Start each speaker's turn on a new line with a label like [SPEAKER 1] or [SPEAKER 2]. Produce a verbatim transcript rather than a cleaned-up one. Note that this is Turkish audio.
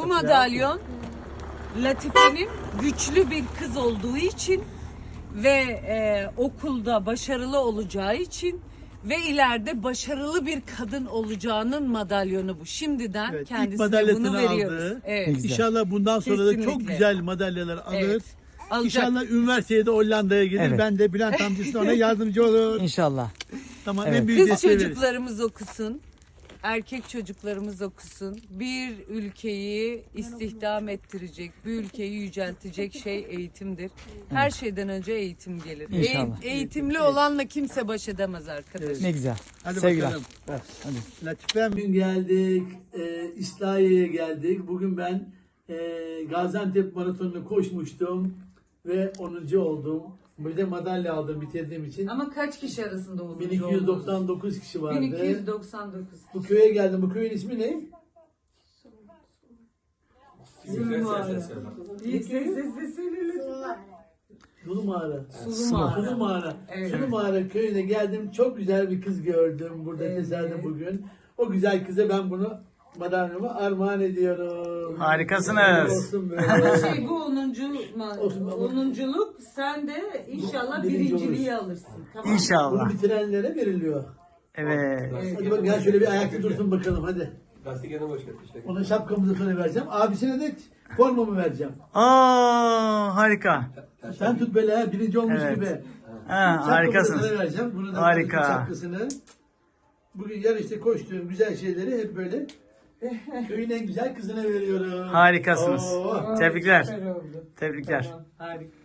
[SPEAKER 1] madalyon Latife'nin güçlü bir kız olduğu için ve e, okulda başarılı olacağı için ve ileride başarılı bir kadın olacağının madalyonu bu. Şimdiden
[SPEAKER 2] Evet, ilk
[SPEAKER 1] kendisine
[SPEAKER 2] madalyasını
[SPEAKER 1] bunu veriyoruz.
[SPEAKER 2] aldı.
[SPEAKER 1] Evet.
[SPEAKER 3] Güzel.
[SPEAKER 2] İnşallah bundan sonra da çok
[SPEAKER 1] Kesinlikle.
[SPEAKER 2] güzel madalyalar alır.
[SPEAKER 1] Evet. Alacak.
[SPEAKER 2] İnşallah üniversiteye de Hollanda'ya gelir.
[SPEAKER 3] Evet.
[SPEAKER 2] Ben de Bülent amcası ona yardımcı olur.
[SPEAKER 3] İnşallah.
[SPEAKER 2] Tamam,
[SPEAKER 3] Evet.
[SPEAKER 2] en büyük
[SPEAKER 1] Kız
[SPEAKER 2] desteği veririz.
[SPEAKER 1] çocuklarımız okusun, erkek çocuklarımız okusun. Bir ülkeyi istihdam ettirecek, bir ülkeyi yüceltecek şey eğitimdir. Her şeyden önce eğitim gelir.
[SPEAKER 3] İnşallah.
[SPEAKER 1] E- eğitimli olanla kimse baş edemez arkadaşlar.
[SPEAKER 3] Ne güzel.
[SPEAKER 2] Hadi
[SPEAKER 3] Sevgiler.
[SPEAKER 2] bakalım.
[SPEAKER 3] Evet, hadi.
[SPEAKER 2] Latife, bugün geldik, e, İslahiye'ye geldik. Bugün ben e, Gaziantep Maratonu'nu koşmuştum ve onuncu oldum. Bir de madalya aldım bitirdiğim için.
[SPEAKER 1] Ama kaç kişi arasında oldu?
[SPEAKER 2] bin iki yüz doksan dokuz kişi vardı.
[SPEAKER 1] bin iki yüz doksan dokuz.
[SPEAKER 2] Bu köye geldim. Bu köyün ismi ne?
[SPEAKER 1] Sulu mağara. İlk sesle
[SPEAKER 2] Sulu Mağara.
[SPEAKER 1] Sulu mağara.
[SPEAKER 2] Sulu Mağara.
[SPEAKER 1] Evet.
[SPEAKER 2] Sulu Mağara köyüne geldim. Çok güzel bir kız gördüm burada
[SPEAKER 1] Evet.
[SPEAKER 2] tesadüf bugün. O güzel kıza ben bunu madalyamı armağan ediyorum.
[SPEAKER 3] Harikasınız.
[SPEAKER 2] Olsun böyle.
[SPEAKER 1] Şey bu onuncu ma-
[SPEAKER 2] Olsun, olsun.
[SPEAKER 1] onunculuk sen de inşallah
[SPEAKER 2] Birinci
[SPEAKER 1] birinciliği alırsın. Tamam mı?
[SPEAKER 3] İnşallah.
[SPEAKER 2] Bunu bitirenlere veriliyor.
[SPEAKER 3] Evet.
[SPEAKER 2] Hadi bak gel şöyle bir ayakta dursun bakalım hadi.
[SPEAKER 4] Lastik yanı boş işte.
[SPEAKER 2] Ona şapkamızı sonra vereceğim. Abisine de formamı vereceğim.
[SPEAKER 3] Aa, harika.
[SPEAKER 2] Sen tut böyle ha, birinci olmuş
[SPEAKER 3] Evet.
[SPEAKER 2] gibi.
[SPEAKER 3] Ha,
[SPEAKER 2] Şapkamı da
[SPEAKER 3] harikasınız.
[SPEAKER 2] sana vereceğim. Bunu da
[SPEAKER 3] Harika.
[SPEAKER 2] şapkasını. Bugün yarışta koştuğum güzel şeyleri hep böyle köyün en güzel kızına veriyorum.
[SPEAKER 3] Harikasınız.
[SPEAKER 2] Oo.
[SPEAKER 3] Tebrikler.
[SPEAKER 1] Süper oldu.
[SPEAKER 3] Tebrikler.
[SPEAKER 1] Tamam, harika.